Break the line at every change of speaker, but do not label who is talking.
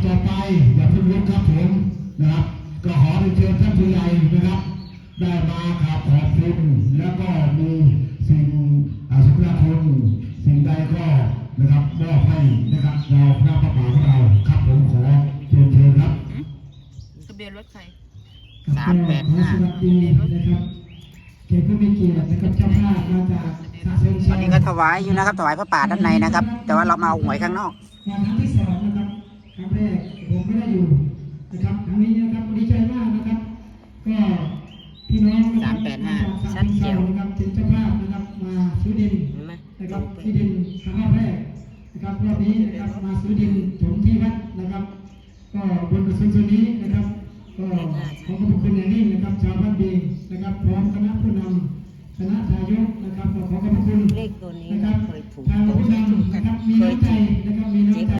ต่อไปอย่าเพิ่งลุกครับผมนะครับก็ขอเชิญท่านผู้ใหญ่นะครับได้มาขอบคุณแล้วก็มีสิ่งสุภาพสิ่งใดก็นะครับมอบให้นะครับเราหน้าพระป่าของเราครับผมขอเชิญครับ
ทะเบียนรถใคร
385
นะครับเกียรติผู้มีเกียรตินะครับเจ้าภาพมาจาก
ตอนนี้ก็ถวายอยู่นะครับถวายพระป่าด้านในนะครับแต่ว่าเรามาเอาหวยข้างนอก
ครั้งที่2นะครับครั้งแรกผมไม่ได้อยู่นะครับครั้งนี้นะครับดีใจมากนะครับก็พี่น้อง
385ชัดเจน
นะครับเป็นเจ้าภาพนะครับมาซื้อดินนะครับที่ดินครั้งแรกนะครับรอบนี้นะครับมาซื้อดินถมที่วัดนะครับก็บนกระทรวงส่วนนี้นะครับก็ขอขอบคุณอย่างยิ่งนะครับชาวบ้านเบงนะครับพร้อมคณะผู้นำคณะทายกนะครับขอขอบคุณนะครับทางผู้นำนะครับมีน้ำใจนะครับมีน้ำใจ